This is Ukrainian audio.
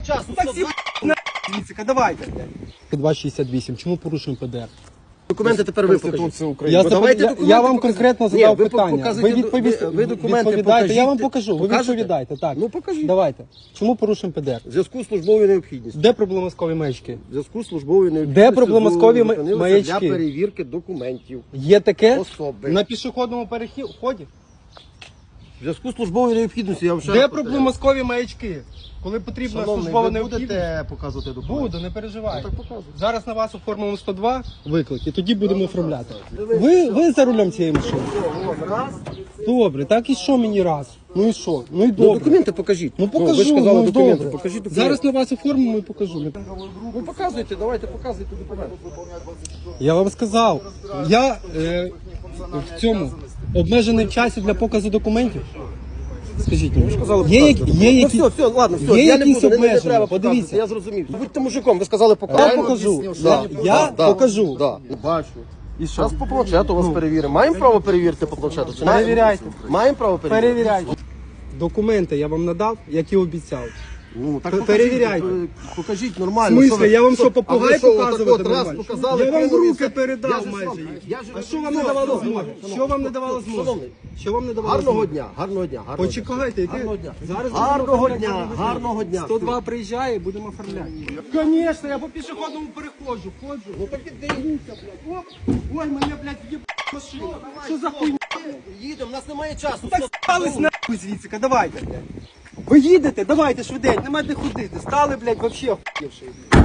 Часу, Таксі, звідсика, давайте, блядь. 268, чому порушуємо ПДР? Документи тепер ви покажіть. Я вам конкретно задав питання. Ви Ви документи відповідаєте, покажіть. я вам покажу. Ви Покажете? відповідаєте, так. Ну покажіть. Давайте. Чому порушуємо ПДР? В зв'язку з службовою необхідністю. Де проблемаскові маячки? В зв'язку з службовою необхідністю. Де проблемаскові зупинилися маячки? Для перевірки документів. Є таке? Особи. На пішохідному переході? В зв'язку з службовою необхідністю я вам ще Де раз повторяю. проблемаскові маячки? Коли потрібна Шановний, службова ви необхідність? будете показувати документи? Буду, не переживайте. Ну, так показуйте. Зараз на вас оформимо 102 виклик, і тоді будемо оформляти. Ви за рулем цієї машини? Раз. Добре, так і що мені раз? Ну і що? Ну і Ну, добре. документи покажіть. Ну покажу, ви ж сказали ну, документи. добре. Покажіть документи. Зараз на вас оформимо і покажу. Ну показуйте, давайте показуйте документи. Я вам сказав, я в цьому обмежений в часі для показу документів. Скажіть мені, є які... Ну все, ладно, все, є я не якісь буду, не обмеження? треба Подивіться. показувати, я зрозумів. Будьте мужиком, ви сказали Я показати. покажу. Да, Я да, покажу. Да, бачу. І що? Зараз по планшету вас перевіримо. Маємо право перевірити по планшету? Чи не? Перевіряйте. Маємо право перевірити? Перевіряйте. Документи я вам надав, як і обіцяв. Ну, так Перевіряйте. Покажіть В нормально. смислі, я вам що, попугай А ви що, показувати отак от раз нормально? показали, Я вам в кинули, руки все. передав Я ж майже вам- їх. я ж- А що вам не давало змоги? Що вам не давало змоги? Шановний, Що вам не давало гарного змоги? дня, гарного дня. гарного дня. Почекайте, яке? Гарного дня. Зараз Гарного будемо дня, оформляти. гарного дня. 102 приїжджає, будемо оформляти. Звісно, я по пішохідному переходжу, ходжу. Ну так віддаюся, блядь. Оп, ой, мене, блядь, в'єб машину. Що за хуйня? Їдемо, у нас немає часу. Так стались нахуй звідсика, давайте, блядь. Ви їдете, давайте швиденько, нема де ходити. Стали, блядь, вообще охуєвши.